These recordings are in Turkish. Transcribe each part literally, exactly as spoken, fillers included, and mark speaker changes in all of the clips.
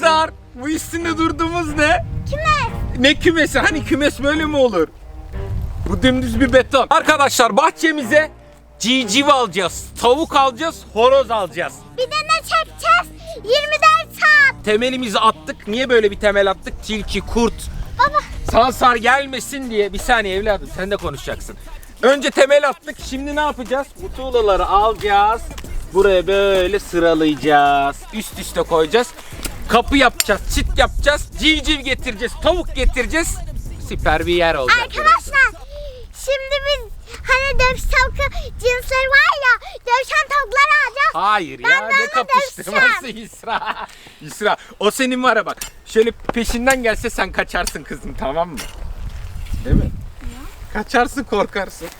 Speaker 1: Serdar, bu üstünde durduğumuz ne?
Speaker 2: Kümes.
Speaker 1: Ne kümesi? Hani kümes böyle mi olur? Bu dümdüz bir beton. Arkadaşlar bahçemize civciv alacağız, tavuk alacağız, horoz alacağız.
Speaker 2: Bir de ne çekeceğiz? yirmi dört saat.
Speaker 1: Temelimizi attık. Niye böyle bir temel attık? Tilki, kurt,
Speaker 2: Baba.
Speaker 1: sansar gelmesin diye. Bir saniye evladım, sen de konuşacaksın. Önce temel attık. Şimdi ne yapacağız? Bu tuğlaları alacağız. Buraya böyle sıralayacağız. Üst üste koyacağız. Kapı yapacağız, çit yapacağız. Civciv getireceğiz, tavuk getireceğiz. Süper bir yer olacak.
Speaker 2: Arkadaşlar şimdi biz hani dövüş tavuk cinsleri var ya, dövüşen tavukları alacağız.
Speaker 1: Hayır
Speaker 2: Ben
Speaker 1: ya,
Speaker 2: de
Speaker 1: ne
Speaker 2: onu
Speaker 1: kapıştırması İsra. İsra, o senin var ya bak. Şöyle peşinden gelse sen kaçarsın kızım, tamam mı? Değil mi? Kaçarsın, korkarsın.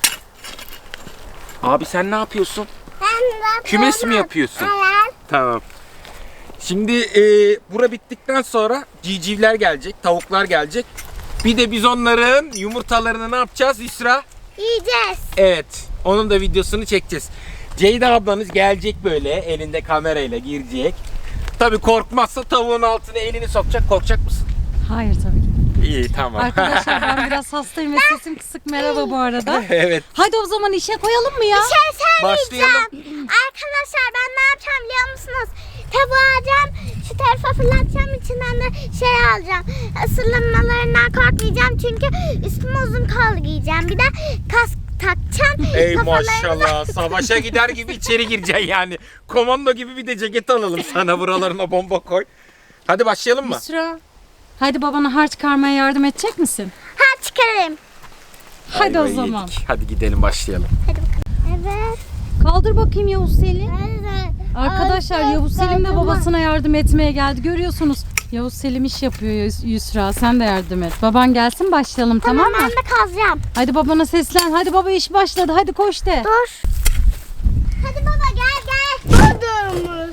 Speaker 1: Abi sen ne yapıyorsun?
Speaker 2: Ben de
Speaker 1: Kümes mi yapıyorsun?
Speaker 2: Evet.
Speaker 1: Tamam. Şimdi e, bura bittikten sonra civcivler gelecek, tavuklar gelecek. Bir de biz onların yumurtalarını ne yapacağız İsra?
Speaker 2: Yiyeceğiz.
Speaker 1: Evet, onun da videosunu çekeceğiz. Ceyda ablanız gelecek böyle elinde kamerayla girecek. Tabii korkmazsa tavuğun altına elini sokacak. Korkacak mısın?
Speaker 3: Hayır tabii ki.
Speaker 1: İyi, tamam.
Speaker 3: Arkadaşlar ben biraz hastayım ve sesim kısık. Merhaba bu arada.
Speaker 1: Evet.
Speaker 3: Hadi o zaman işe koyalım mı ya?
Speaker 2: Bir şey söyleyeceğim.
Speaker 1: Başlayalım.
Speaker 2: Arkadaşlar ben ne yapacağım biliyor musunuz? Tavuğu alacağım, şu tarafa fırlatacağım, içinden de şey alacağım. Isırılmalarından korkmayacağım çünkü üstüme uzun kol giyeceğim. Bir de kask takacağım.
Speaker 1: Ey
Speaker 2: Kafalarını-
Speaker 1: maşallah, savaşa gider gibi içeri gireceksin yani. Komando gibi bir de ceket alalım sana, buralarına bomba koy. Hadi başlayalım mı?
Speaker 3: Yusra. Hadi babana harç çıkarmaya yardım edecek misin?
Speaker 2: Ha çıkarayım.
Speaker 3: Hadi o
Speaker 1: Ayvayı
Speaker 3: zaman.
Speaker 1: yedik. Hadi gidelim, başlayalım.
Speaker 2: Hadi bakalım. Evet.
Speaker 3: Kaldır bakayım Yavuz Selim.
Speaker 2: Evet.
Speaker 3: Arkadaşlar
Speaker 2: Ay,
Speaker 3: Yavuz Selim de
Speaker 2: kaldır.
Speaker 3: babasına yardım etmeye geldi. Görüyorsunuz. Yavuz Selim iş yapıyor Yus- Yusra. Sen de yardım et. Baban gelsin başlayalım, tamam,
Speaker 2: Tamam
Speaker 3: mı?
Speaker 2: ben de kazacağım.
Speaker 3: Hadi babana seslen. Hadi baba iş başladı. Hadi koş de.
Speaker 2: Dur. Hadi baba gel gel. Buradaymış.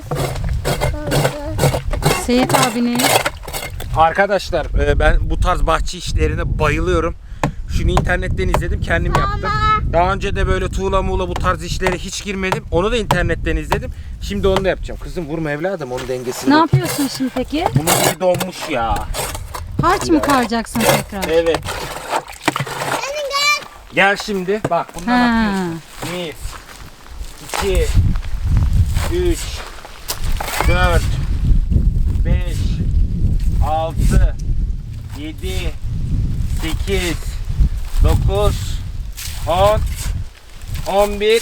Speaker 3: Seyit abinin.
Speaker 1: Arkadaşlar e, ben bu tarz bahçe işlerine bayılıyorum. Şunu internetten izledim, kendim yaptım. Daha önce de böyle tuğla muğla bu tarz işlere hiç girmedim. Onu da internetten izledim. Şimdi onu da yapacağım. Kızım vurma evladım, onun dengesini.
Speaker 3: Ne yapıyorsun şimdi peki?
Speaker 1: Bunun gibi donmuş ya.
Speaker 3: Harç mı karacaksın tekrar?
Speaker 1: Evet. Gel şimdi. Bak bundan
Speaker 3: Ha.
Speaker 1: atıyorsun. Bir, iki, üç, dört, beş, altı, yedi, sekiz, dokuz, on, on bir.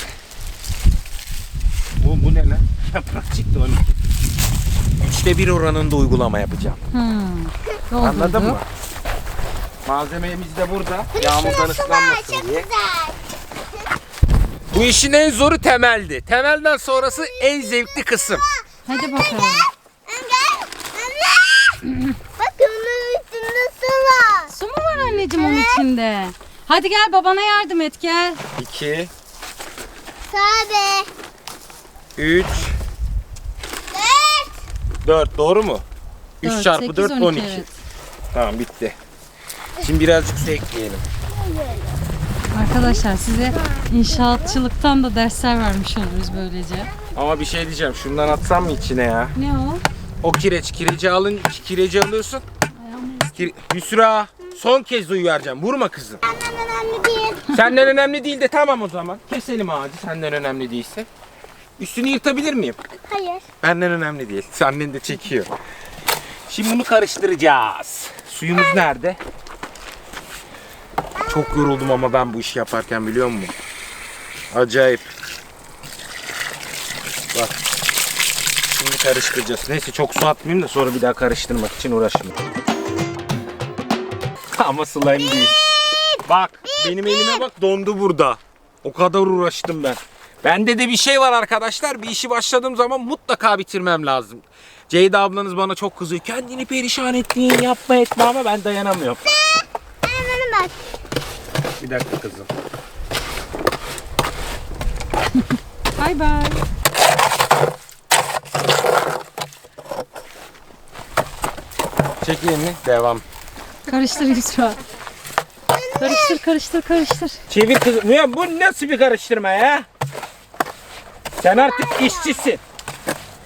Speaker 1: Bu, bu ne lan? Yaprak çıktı on iki. Üçte bir oranında uygulama yapacağım.
Speaker 3: Hmm.
Speaker 1: Anladın mı? Malzememiz de burada. Yağmurdan ıslanmasın
Speaker 2: Çok
Speaker 1: diye.
Speaker 2: güzel.
Speaker 1: Bu işin en zoru temeldi. Temelden sonrası en zevkli kısım.
Speaker 3: Hadi bakalım.
Speaker 2: Bak onun üstünde su var.
Speaker 3: Su mu var anneciğim onun içinde? Hadi gel babana yardım et gel.
Speaker 1: iki,
Speaker 2: Tabii.
Speaker 1: üç, dört. Doğru mu? üç
Speaker 3: Dört,
Speaker 1: çarpı
Speaker 3: sekiz,
Speaker 1: dört,
Speaker 3: on
Speaker 1: on
Speaker 3: iki,
Speaker 1: iki.
Speaker 3: evet.
Speaker 1: Tamam bitti. Şimdi birazcık su ekleyelim.
Speaker 3: Arkadaşlar size inşaatçılıktan da dersler vermiş oluruz böylece.
Speaker 1: Ama bir şey diyeceğim. Şundan atsam mı içine ya?
Speaker 3: Ne o?
Speaker 1: O kireç. Kireci alın, kireci alıyorsun. Kire... Yusra, son kez uyaracağım. Vurma kızım.
Speaker 2: Benden önemli değil.
Speaker 1: Senden önemli değil de tamam o zaman. Keselim ağacı senden önemli değilse. Üstünü yırtabilir miyim?
Speaker 2: Hayır.
Speaker 1: Benden önemli değil. Annen de çekiyor. Şimdi bunu karıştıracağız. Suyumuz nerede? Çok yoruldum ama ben bu işi yaparken, biliyor musun? Acayip. Bak. Şimdi karıştıracağız. Neyse çok su atmayayım da sonra bir daha karıştırmak için uğraşmayayım. Ama slime değil. Bak benim elime bak, dondu burada. O kadar uğraştım ben. Bende de bir şey var arkadaşlar. Bir işi başladığım zaman mutlaka bitirmem lazım. Ceyda ablanız bana çok kızıyor. Kendini perişan ettiğin yapma etme, ama ben dayanamıyorum.
Speaker 2: Hemen bak.
Speaker 1: Bir dakika kızım.
Speaker 3: Bay bay.
Speaker 1: Çek elini. Devam.
Speaker 3: Karıştır Yusra. Karıştır karıştır karıştır.
Speaker 1: Çevir kızım. Ya bu nasıl bir karıştırma ya? Sen artık işçisin.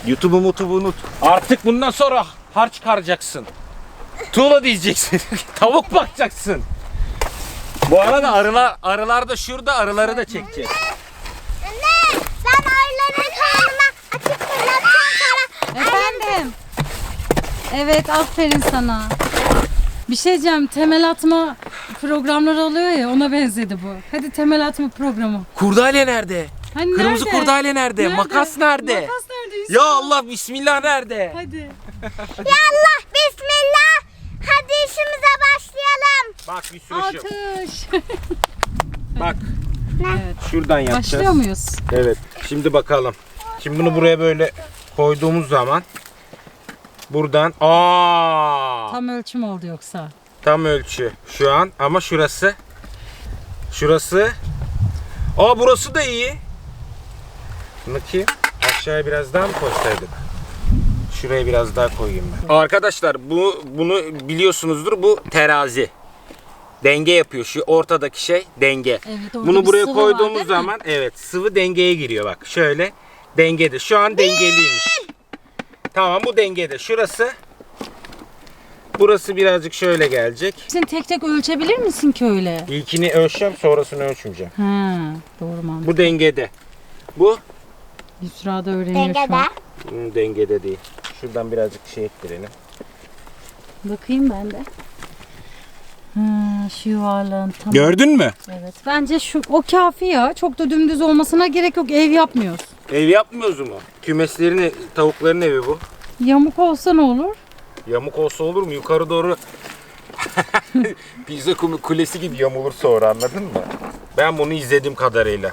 Speaker 1: YouTube'u mutubu unut. Artık bundan sonra harç çıkaracaksın. Tuğla diyeceksin. Tavuk bakacaksın. Bu arada arılar, arılar da şurada, arıları da çekeceğiz.
Speaker 2: Anne ben arıların karnına açıp fırlatacağım sonra.
Speaker 3: Efendim. Evet, aferin sana. Bir şey diyeceğim, temel atma programları oluyor ya, ona benzedi bu. Hadi temel atma programı.
Speaker 1: Kurdale nerede?
Speaker 3: Hani
Speaker 1: Kırmızı
Speaker 3: nerede?
Speaker 1: kurdale nerede?
Speaker 3: Nerede?
Speaker 1: Makas nerede?
Speaker 3: Makas nerede Yusuf?
Speaker 1: Ya Allah, bismillah nerede?
Speaker 3: Hadi.
Speaker 2: Ya Allah bismillah. Hadi işimize başlayalım.
Speaker 1: Bak bir sürü şey.
Speaker 3: Atış.
Speaker 1: Bak
Speaker 3: Evet.
Speaker 1: şuradan yapacağız.
Speaker 3: Başlıyor muyuz?
Speaker 1: Evet. Şimdi bakalım. Şimdi bunu buraya böyle koyduğumuz zaman buradan aa
Speaker 3: Tam ölçüm oldu yoksa.
Speaker 1: tam ölçü şu an ama şurası şurası aa burası da iyi. Bakayım aşağıya biraz daha mı koysaydık? Şuraya biraz daha koyayım ben. Arkadaşlar bu bunu biliyorsunuzdur, bu terazi. Denge yapıyor. Şu ortadaki şey denge.
Speaker 3: Evet, orada
Speaker 1: Bunu
Speaker 3: bir
Speaker 1: buraya
Speaker 3: sıvı var,
Speaker 1: koyduğumuz
Speaker 3: değil mi?
Speaker 1: zaman evet sıvı dengeye giriyor bak. Şöyle dengede. Şu an dengeliymiş. Tamam, bu dengede. Şurası burası birazcık şöyle gelecek.
Speaker 3: Sen tek tek ölçebilir misin ki öyle?
Speaker 1: İlkini ölçeceğim, sonrasını ölçmeyeceğim.
Speaker 3: Ha, doğru mantık.
Speaker 1: Bu dengede. Bu
Speaker 3: Yusra da öğreniyor şu
Speaker 2: Dengede.
Speaker 3: an.
Speaker 1: hmm, dengede değil. Şuradan birazcık şey ettirelim.
Speaker 3: Bakayım ben de. Ha, şu yuvarlağın tam.
Speaker 1: Gördün mü?
Speaker 3: Evet. Bence şu o kafi ya. Çok da dümdüz olmasına gerek yok. Ev yapmıyoruz.
Speaker 1: Ev yapmıyoruz mu? Kümeslerin, ev- tavukların evi bu.
Speaker 3: Yamuk olsa ne olur?
Speaker 1: Yamuk olsa olur mu? Yukarı doğru Pizza kumu- kulesi gibi yamulur sonra, anladın mı? Ben bunu izlediğim kadarıyla.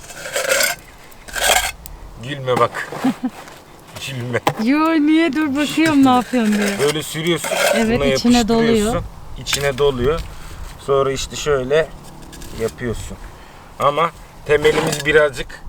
Speaker 1: Gülme bak. Gülme.
Speaker 3: Yo, niye, dur bakıyorum ne yapıyorsun diye.
Speaker 1: Böyle sürüyorsun.
Speaker 3: Evet,
Speaker 1: buna
Speaker 3: içine
Speaker 1: yapıştırıyorsun,
Speaker 3: doluyor.
Speaker 1: İçine doluyor. Sonra işte şöyle yapıyorsun. Ama temelimiz birazcık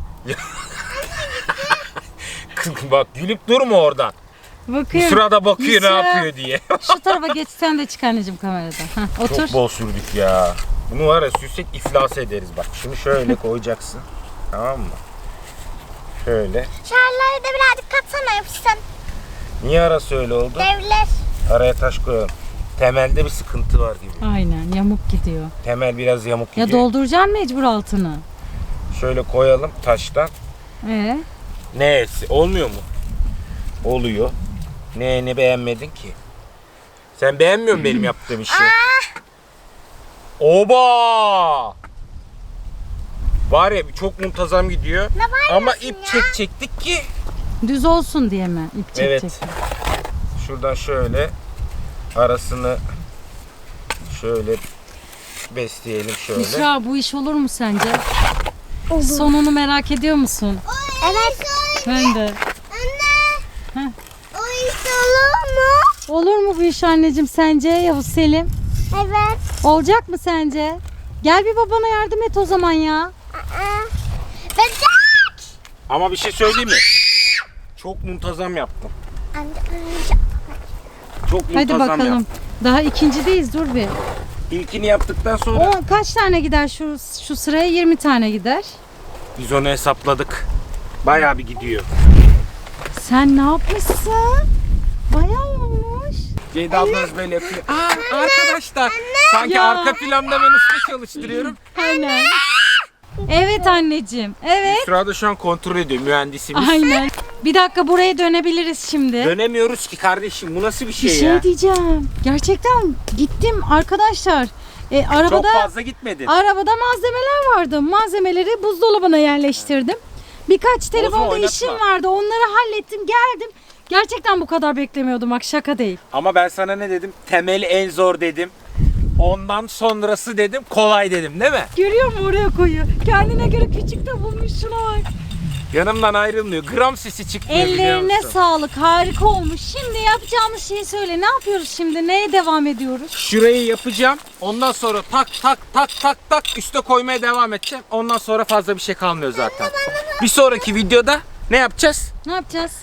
Speaker 1: Kız bak, gülüp durma oradan. Bu
Speaker 3: Bakıyorum.
Speaker 1: sırada bakıyor ne
Speaker 3: Yusra,
Speaker 1: yapıyor diye.
Speaker 3: Şu tarafa geçsen de çık anneciğim kameradan. Heh, otur.
Speaker 1: Çok bol sürdük ya. Bunu var ya, sürsek iflas ederiz bak. Şunu şöyle koyacaksın. Tamam mı? Şöyle.
Speaker 2: Şarları da birazcık katsana yapışsın.
Speaker 1: Niye arası öyle oldu?
Speaker 2: Devler.
Speaker 1: Araya taş koyalım. Temelde bir sıkıntı var gibi.
Speaker 3: Aynen, yamuk gidiyor.
Speaker 1: Temel biraz yamuk
Speaker 3: Ya
Speaker 1: gidiyor.
Speaker 3: dolduracaksın mecbur altını.
Speaker 1: Şöyle koyalım taştan.
Speaker 3: Ee?
Speaker 1: Neyse, olmuyor mu? Oluyor. Ne ne beğenmedin ki? Sen beğenmiyor musun benim yaptığım işi? Oba! Var ya, çok muntazam gidiyor.
Speaker 2: Ne var
Speaker 1: Ama
Speaker 2: diyorsun
Speaker 1: ip
Speaker 2: ya?
Speaker 1: çek çektik ki.
Speaker 3: Düz olsun diye mi? İp
Speaker 1: Evet.
Speaker 3: çekecek.
Speaker 1: Şuradan şöyle arasını şöyle besleyelim şöyle.
Speaker 3: Yusra, bu iş olur mu sence? Sonunu merak ediyor musun?
Speaker 2: Evet.
Speaker 3: Ben de.
Speaker 2: Anne.
Speaker 3: Heh.
Speaker 2: O iş olur mu?
Speaker 3: Olur mu bu iş anneciğim sence Yavuz Selim?
Speaker 2: Evet.
Speaker 3: Olacak mı sence? Gel bir babana yardım et o zaman ya.
Speaker 2: Aa. Bebek.
Speaker 1: Ama bir şey söyleyeyim mi? Çok muntazam yaptım.
Speaker 2: Anne.
Speaker 1: Çok
Speaker 3: Hadi
Speaker 1: muntazam
Speaker 3: bakalım.
Speaker 1: yaptım.
Speaker 3: Daha ikincideyiz, dur bir.
Speaker 1: İlkini yaptıktan sonra
Speaker 3: O kaç tane gider şu şu sıraya? yirmi tane gider.
Speaker 1: biz onu hesapladık. Bayağı bir gidiyor.
Speaker 3: Sen ne yapmışsın? Bayağı olmuş.
Speaker 1: Ceyda ablanız böyle yapıyor. Aa, arkadaşlar. Sanki
Speaker 3: Ya.
Speaker 1: arka planda ben usta çalıştırıyorum.
Speaker 3: Aynen. Evet anneciğim. Evet.
Speaker 1: Sırada şu an kontrol ediyor mühendisimiz.
Speaker 3: Aynen. Bir dakika, buraya dönebiliriz şimdi.
Speaker 1: Dönemiyoruz ki kardeşim. Bu nasıl bir şey,
Speaker 3: Bir şey
Speaker 1: ya?
Speaker 3: diyeceğim. Gerçekten gittim arkadaşlar. E,
Speaker 1: Çok
Speaker 3: arabada
Speaker 1: fazla gitmedin.
Speaker 3: arabada malzemeler vardı. Malzemeleri buzdolabına yerleştirdim. Birkaç telefonda
Speaker 1: oynatma.
Speaker 3: işim vardı. Onları hallettim, geldim. Gerçekten bu kadar beklemiyordum. Bak, şaka değil.
Speaker 1: Ama ben sana ne dedim? Temeli en zor dedim. Ondan sonrası dedim kolay dedim, değil mi?
Speaker 3: Görüyor musun, oraya koyuyor. Kendine göre küçük de bulmuş, şuna bak.
Speaker 1: Yanımdan ayrılmıyor. Gram sesi çıkmıyor, biliyor
Speaker 3: Ellerine
Speaker 1: musun?
Speaker 3: sağlık, harika olmuş. Şimdi yapacağımız şeyi söyle. Ne yapıyoruz şimdi? Neye devam ediyoruz?
Speaker 1: Şurayı yapacağım. Ondan sonra tak tak tak tak tak üste koymaya devam edeceğim. Ondan sonra fazla bir şey kalmıyor zaten. Bir sonraki videoda ne yapacağız?
Speaker 3: Ne yapacağız?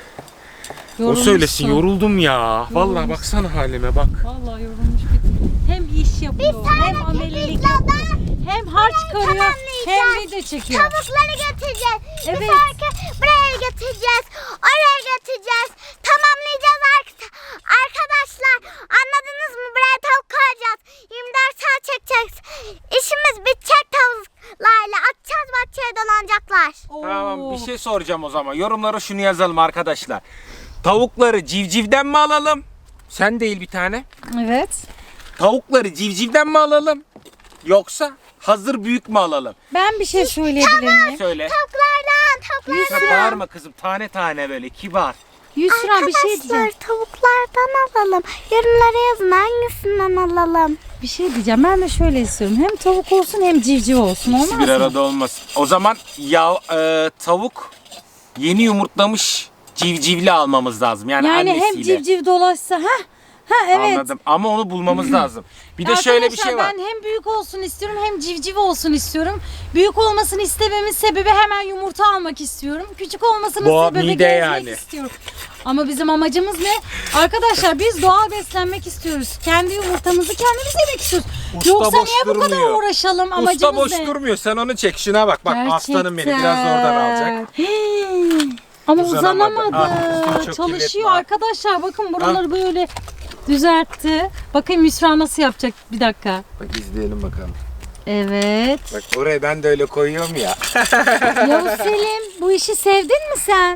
Speaker 1: O söylesin,
Speaker 3: Yorulmuşsun.
Speaker 1: yoruldum ya. Vallahi baksana halime bak.
Speaker 3: Vallahi yorulmuş bittim. hem iş yapıyor,
Speaker 2: Bir tane
Speaker 3: hem amelilik
Speaker 2: pizzada
Speaker 3: yapıyor, hem harç karıyor, hem
Speaker 2: tamamlayacağız.
Speaker 3: video çekiyor.
Speaker 2: Tavukları götüreceğiz.
Speaker 3: Evet.
Speaker 2: Bir sonraki buraya götüreceğiz. Oraya götüreceğiz. Tamamlayacağız ar- arkadaşlar. Anladınız mı? Buraya tavuk koyacağız. yirmi dört saat çekeceğiz. İşimiz bitecek tavuklarla. Atacağız bahçeye dolanacaklar.
Speaker 1: Tamam,
Speaker 3: Oo.
Speaker 1: bir şey soracağım o zaman. Yorumlara şunu yazalım arkadaşlar. Tavukları civcivden mi alalım? Sen değil bir tane.
Speaker 3: Evet.
Speaker 1: Tavukları civcivden mi alalım? Yoksa hazır büyük mü alalım?
Speaker 3: Ben bir şey söyleyebilir miyim?
Speaker 1: Söyle.
Speaker 2: Tavuklardan,
Speaker 1: Sen
Speaker 2: tavuklardan.
Speaker 1: bağırma kızım, tane tane böyle kibar.
Speaker 3: Yusra bir şey diyeceğim.
Speaker 2: Arkadaşlar tavuklardan alalım. Yorumlara yazın hangisinden alalım.
Speaker 3: Bir şey diyeceğim. Ben de şöyle istiyorum. Hem tavuk olsun hem civciv olsun. Olmaz
Speaker 1: Bir
Speaker 3: mı?
Speaker 1: arada olmaz. O zaman ya e, tavuk yeni yumurtlamış civcivli almamız lazım. Yani,
Speaker 3: Yani
Speaker 1: annesiyle.
Speaker 3: hem civciv dolaşsa ha ha evet.
Speaker 1: Anladım. Ama onu bulmamız lazım. Bir de şöyle bir şey var.
Speaker 3: Ben hem büyük olsun istiyorum hem civciv olsun istiyorum. Büyük olmasını istememin sebebi hemen yumurta almak istiyorum. Küçük olmasının
Speaker 1: Bu
Speaker 3: sebebi
Speaker 1: mide
Speaker 3: gezmek
Speaker 1: yani.
Speaker 3: istiyorum. Ama bizim amacımız ne? Arkadaşlar biz doğal beslenmek istiyoruz. Kendi yumurtamızı kendimiz yemek istiyoruz.
Speaker 1: Usta
Speaker 3: Yoksa
Speaker 1: boş
Speaker 3: niye bu kadar
Speaker 1: durmuyor.
Speaker 3: uğraşalım? Amacımız
Speaker 1: Usta boş
Speaker 3: ne?
Speaker 1: durmuyor. Sen onu çek. Şuna bak. Bak aslanım benim. Biraz da
Speaker 3: Gerçekten.
Speaker 1: oradan alacak.
Speaker 3: Hii. Ama
Speaker 1: Uzanamadı.
Speaker 3: uzanamadı.
Speaker 1: Ah, üstünde çok
Speaker 3: Çalışıyor
Speaker 1: kuvvet var.
Speaker 3: arkadaşlar. Bakın buraları böyle düzeltti. Bakın Yusra nasıl yapacak? Bir dakika.
Speaker 1: Bak izleyelim bakalım.
Speaker 3: Evet.
Speaker 1: Bak oraya ben de öyle koyuyorum ya.
Speaker 3: Yavuz Selim, bu işi sevdin mi sen?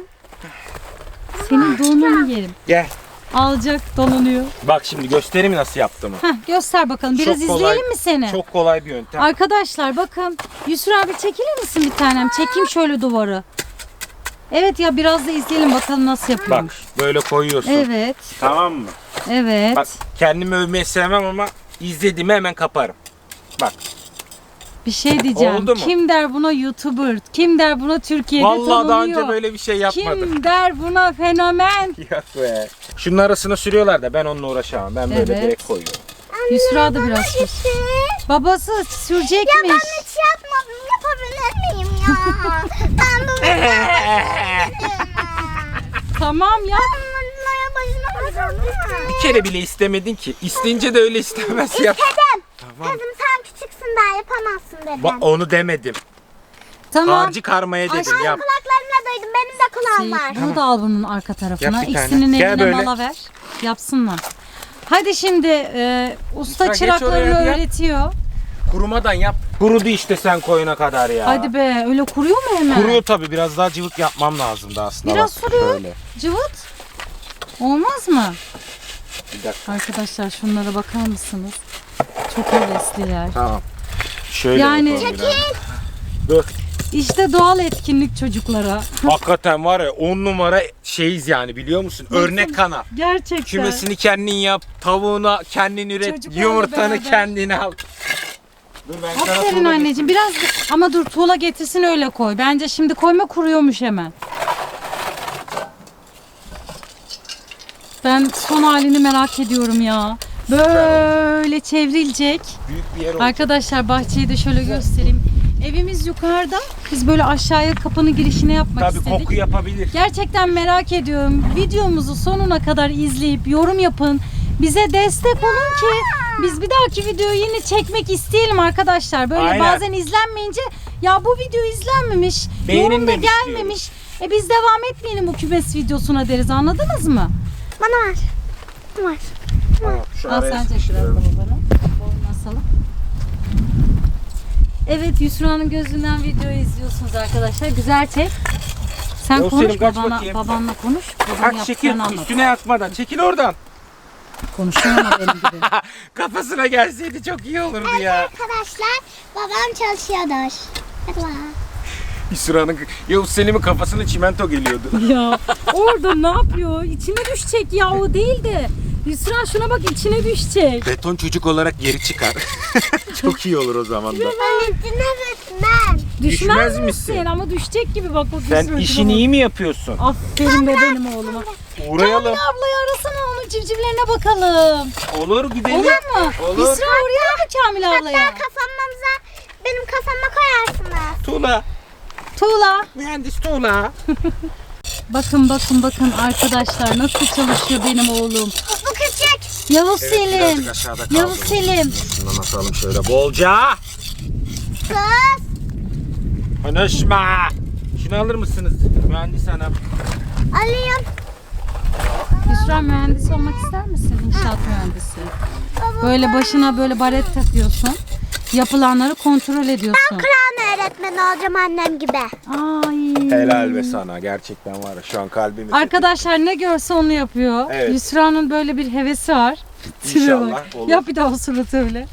Speaker 3: Senin donunu yerim.
Speaker 1: Gel.
Speaker 3: Alacak, dolanıyor.
Speaker 1: Bak şimdi göstereyim nasıl yaptığımı.
Speaker 3: Heh, göster bakalım. Biraz
Speaker 1: Çok kolay-
Speaker 3: izleyelim mi seni?
Speaker 1: Çok kolay bir yöntem.
Speaker 3: Arkadaşlar bakın. Yusra abi çekilir misin bir tanem? Çekeyim şöyle duvarı. Evet ya biraz da izleyelim bakalım nasıl
Speaker 1: Bak
Speaker 3: yapıyormuş.
Speaker 1: böyle koyuyorsun.
Speaker 3: Evet,
Speaker 1: Tamam mı?
Speaker 3: evet.
Speaker 1: Bak kendimi övmeyi sevmem ama izlediğimi hemen kaparım. Bak.
Speaker 3: Bir şey diyeceğim.
Speaker 1: Oldu mu?
Speaker 3: Kim der buna YouTuber? Kim der buna Türkiye'de
Speaker 1: Vallahi
Speaker 3: tanınıyor?
Speaker 1: daha önce böyle bir şey yapmadım.
Speaker 3: Kim der buna fenomen?
Speaker 1: Yok be. Şunun arasına sürüyorlar da ben onunla uğraşamam. Ben böyle
Speaker 3: Evet.
Speaker 1: direkt koyuyorum.
Speaker 3: Yusra da biraz sür.
Speaker 2: Hiç.
Speaker 3: Babası
Speaker 2: Ya
Speaker 3: sürecekmiş.
Speaker 2: ben hiç yapmadım. Yapabilir miyim ya? Ben bu
Speaker 3: Tamam ya.
Speaker 2: bunlara başına koyacağım.
Speaker 1: Bir kere bile istemedin ki. İsteyince de öyle istemez yap.
Speaker 2: Dedim.
Speaker 1: Tamam.
Speaker 2: Kızım sen küçüksün daha yapamazsın dedim.
Speaker 1: Bak onu demedim.
Speaker 3: Tamam.
Speaker 1: Harcı karmaya dedim
Speaker 2: Ay,
Speaker 1: yap.
Speaker 2: kulaklarımla duydum. Benim de kulağım var.
Speaker 3: Şey, bunu da al bunun arka tarafına.
Speaker 1: Yap bir tane.
Speaker 3: İkisinin
Speaker 1: Gel
Speaker 3: eline
Speaker 1: böyle.
Speaker 3: mala ver. Yapsınlar. Hadi şimdi e, usta
Speaker 1: Lütfen geç
Speaker 3: çıraklarını
Speaker 1: oraya, yap.
Speaker 3: öğretiyor.
Speaker 1: Kurumadan yap. Kurudu işte sen koyuna kadar ya.
Speaker 3: Hadi be öyle kuruyor mu hemen?
Speaker 1: Kuruyor tabii, biraz daha cıvık yapmam lazımdı aslında.
Speaker 3: Biraz
Speaker 1: Bak,
Speaker 3: sürüyor.
Speaker 1: şöyle.
Speaker 3: Cıvıt. Olmaz mı?
Speaker 1: Bir dakika.
Speaker 3: Arkadaşlar şunlara bakar mısınız? Çok hevesliler.
Speaker 1: Tamam. Şöyle
Speaker 3: Yani-
Speaker 1: yapalım biraz. Dur.
Speaker 3: İşte doğal etkinlik çocuklara.
Speaker 1: Hakikaten var ya on numara şeyiz yani, biliyor musun? Örnek kanal.
Speaker 3: Gerçekten.
Speaker 1: Kümesini kendin yap, tavuğunu kendin üret,
Speaker 3: Çocuklarla
Speaker 1: yumurtanı
Speaker 3: beraber.
Speaker 1: kendin al. Dur ben sana
Speaker 3: Aferin
Speaker 1: tuğla
Speaker 3: anneciğim. Biraz ama dur tuğla getirsin öyle koy. Bence şimdi koyma kuruyormuş hemen. Ben son halini merak ediyorum ya. Böyle çevrilecek.
Speaker 1: büyük bir yer oldu.
Speaker 3: Arkadaşlar bahçeyi de şöyle göstereyim. Evimiz yukarıda. Biz böyle aşağıya kapının girişine yapmak
Speaker 1: Tabii
Speaker 3: istedik.
Speaker 1: koku yapabilir.
Speaker 3: Gerçekten merak ediyorum. Videomuzu sonuna kadar izleyip yorum yapın. Bize destek olun ki biz bir dahaki videoyu yine çekmek isteyelim arkadaşlar. Böyle
Speaker 1: Aynen.
Speaker 3: bazen izlenmeyince ya bu video izlenmemiş, yorum da
Speaker 1: Beğenilmemiş
Speaker 3: gelmemiş. E biz devam etmeyelim bu kümes videosuna deriz, anladınız mı?
Speaker 2: Bana ver. Var.
Speaker 1: Tamam, şu
Speaker 3: Al
Speaker 1: araya
Speaker 3: sen çek biraz da
Speaker 1: sıkıştırıyorum.
Speaker 3: babana. Boynuna salın. Evet, Yusra'nın gözünden videoyu izliyorsunuz arkadaşlar. Güzel çek. Sen
Speaker 1: Yok,
Speaker 3: konuş
Speaker 1: Selim, kaç
Speaker 3: babana,
Speaker 1: bakayım.
Speaker 3: babanla konuş. Babanın
Speaker 1: Kalk çekil,
Speaker 3: yaptıklarını anlat.
Speaker 1: üstüne yatmadan çekil oradan.
Speaker 3: Konuşuyor ama benim gibi.
Speaker 1: Kafasına gelseydi çok iyi olurdu ya.
Speaker 2: Arkadaşlar babam çalışıyordur. Hadi bak.
Speaker 1: İsra'nın, Yavuz Selim'in kafasına çimento geliyordu.
Speaker 3: Ya orada ne yapıyor? İçine düşecek ya, o değil de. Yusra şuna bak, içine düşecek.
Speaker 1: Beton çocuk olarak geri çıkar. Çok iyi olur o zaman da.
Speaker 2: Ben içine ben.
Speaker 3: Düşmez,
Speaker 1: Düşmez
Speaker 3: misin?
Speaker 1: misin?
Speaker 3: Ama düşecek gibi bak bak.
Speaker 1: Sen
Speaker 3: Yusra'cığım
Speaker 1: işini
Speaker 3: bak.
Speaker 1: iyi mi yapıyorsun?
Speaker 3: Aferin be benim oğluma.
Speaker 1: Uğrayalım.
Speaker 3: Kamil ablayı arasana, onun civcivlerine bakalım.
Speaker 1: Olur gidelim.
Speaker 3: Olur mu?
Speaker 1: Olur.
Speaker 3: Yusra uğrayalım mı Kamil ablaya?
Speaker 2: Hatta kafamıza benim kafama koyarsınız.
Speaker 1: Tuğla.
Speaker 3: Tuğla.
Speaker 1: Mühendis Tuğla.
Speaker 3: Bakın bakın bakın arkadaşlar nasıl çalışıyor benim oğlum.
Speaker 2: Bu küçük.
Speaker 3: Yavuz
Speaker 1: Evet,
Speaker 3: Selim.
Speaker 1: birazcık aşağıda kaldı.
Speaker 3: Yavuz Selim.
Speaker 1: Şundan atalım şöyle bolca.
Speaker 2: Kız.
Speaker 1: Konuşma. Şunu alır mısınız? Mühendis hanım.
Speaker 2: Alayım.
Speaker 3: Yusra, mühendis olmak ister misin? İnşaat mühendisi. Böyle başına böyle baret takıyorsun. Yapılanları kontrol ediyorsun.
Speaker 2: Kur'an öğretmeni olacağım annem gibi.
Speaker 3: Ay.
Speaker 1: Helal be sana. Gerçekten var ya, şu an kalbimi.
Speaker 3: Arkadaşlar ne görse onu yapıyor.
Speaker 1: Evet.
Speaker 3: Yusra'nın böyle bir hevesi var. Tipe
Speaker 1: İnşallah
Speaker 3: bak.
Speaker 1: olur.
Speaker 3: Yap bir daha o suratı öyle.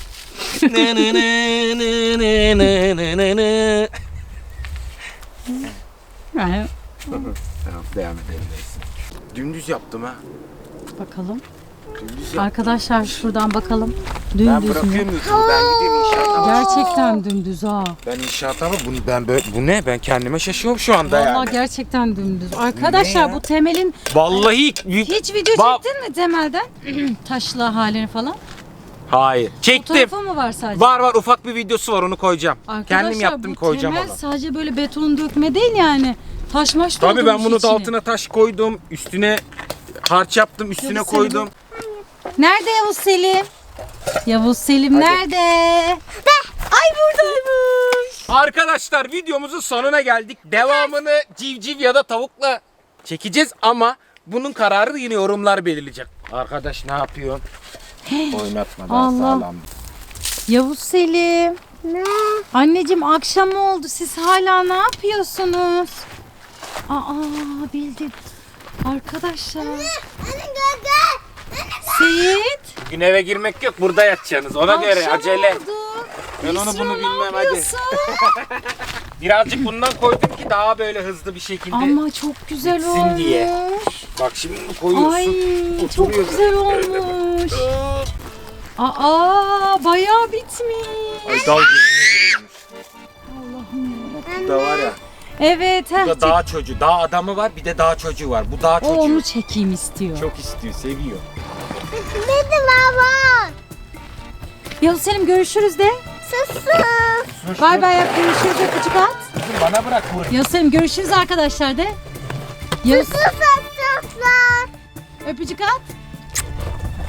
Speaker 3: Yani,
Speaker 1: Tamam, devam edelim neyse. Dümdüz yaptım ha.
Speaker 3: bakalım.
Speaker 1: Dümdüz yaptım.
Speaker 3: Arkadaşlar şuradan bakalım.
Speaker 1: Ben
Speaker 3: Dümdüz mü?
Speaker 1: bırakıyorum YouTube'u. Ben gideyim inşaata.
Speaker 3: Gerçekten dümdüz ha.
Speaker 1: Ben inşaata mı? Bunu, ben böyle, bu ne? Ben kendime şaşıyorum şu anda
Speaker 3: Vallahi
Speaker 1: yani.
Speaker 3: gerçekten dümdüz. Arkadaşlar
Speaker 1: ya?
Speaker 3: bu temelin
Speaker 1: Vallahi
Speaker 3: hiç video
Speaker 1: Ba-
Speaker 3: çektin mi temelden? Taşlı halini falan.
Speaker 1: Hayır. Çektim.
Speaker 3: Fotoğrafı mı var sadece?
Speaker 1: Var var, ufak bir videosu var, onu koyacağım.
Speaker 3: Arkadaşlar,
Speaker 1: Kendim yaptım,
Speaker 3: bu
Speaker 1: koyacağım
Speaker 3: temel
Speaker 1: onu.
Speaker 3: sadece böyle beton dökme değil yani. Taş maş
Speaker 1: Tabii ben
Speaker 3: doldurmuş
Speaker 1: bunu da
Speaker 3: içine.
Speaker 1: altına taş koydum, üstüne harç yaptım, üstüne
Speaker 3: Yavuz
Speaker 1: koydum.
Speaker 3: Nerede Yavuz Selim? Yavuz Selim
Speaker 1: Hadi.
Speaker 3: nerede? Ay buradaymış.
Speaker 1: Arkadaşlar, videomuzun sonuna geldik. Devamını civciv ya da tavukla çekeceğiz ama bunun kararı yine yorumlar belirleyecek. Arkadaş ne yapıyorsun? Oynatma, daha
Speaker 3: Allah.
Speaker 1: sağlam.
Speaker 3: Yavuz Selim.
Speaker 2: Ne?
Speaker 3: Anneciğim akşam oldu. Siz hala ne yapıyorsunuz? Aa bildim. Arkadaşlar.
Speaker 2: Anne gaga.
Speaker 3: Seyit.
Speaker 1: Bugün eve girmek yok, burada yatacaksınız. Ona göre
Speaker 3: akşam
Speaker 1: acele.
Speaker 3: oldu.
Speaker 1: Ben onu
Speaker 3: Yusra,
Speaker 1: bunu
Speaker 3: ne
Speaker 1: bilmem, hadi.
Speaker 3: yapıyorsun?
Speaker 1: Birazcık bundan koydum ki daha böyle hızlı bir şekilde.
Speaker 3: Ama çok güzel
Speaker 1: bitsin
Speaker 3: olmuş.
Speaker 1: diye. Bak şimdi bunu koyuyorsun.
Speaker 3: Ay çok
Speaker 1: oturuyor
Speaker 3: güzel
Speaker 1: böyle.
Speaker 3: olmuş. Aa bayağı bitmiş.
Speaker 1: Ay dal gözüne giriyormuş.
Speaker 3: Allah'ım ya.
Speaker 1: Bu da var ya.
Speaker 3: Evet.
Speaker 1: Bu
Speaker 3: heh,
Speaker 1: da dağ çocuğu. Dağ adamı var, bir de dağ çocuğu var. Bu dağ
Speaker 3: o
Speaker 1: çocuğu
Speaker 3: onu çekeyim istiyor.
Speaker 1: çok istiyor, seviyor.
Speaker 2: Dedi baba.
Speaker 3: Yavuz Selim görüşürüz de.
Speaker 2: Susun.
Speaker 3: Bay bay yap, görüşürüz de küçük at.
Speaker 1: Kızım bana bırak bunu.
Speaker 3: Yavuz Selim görüşürüz arkadaşlar de. Yavuz
Speaker 2: Susun susun.
Speaker 3: öpücük at.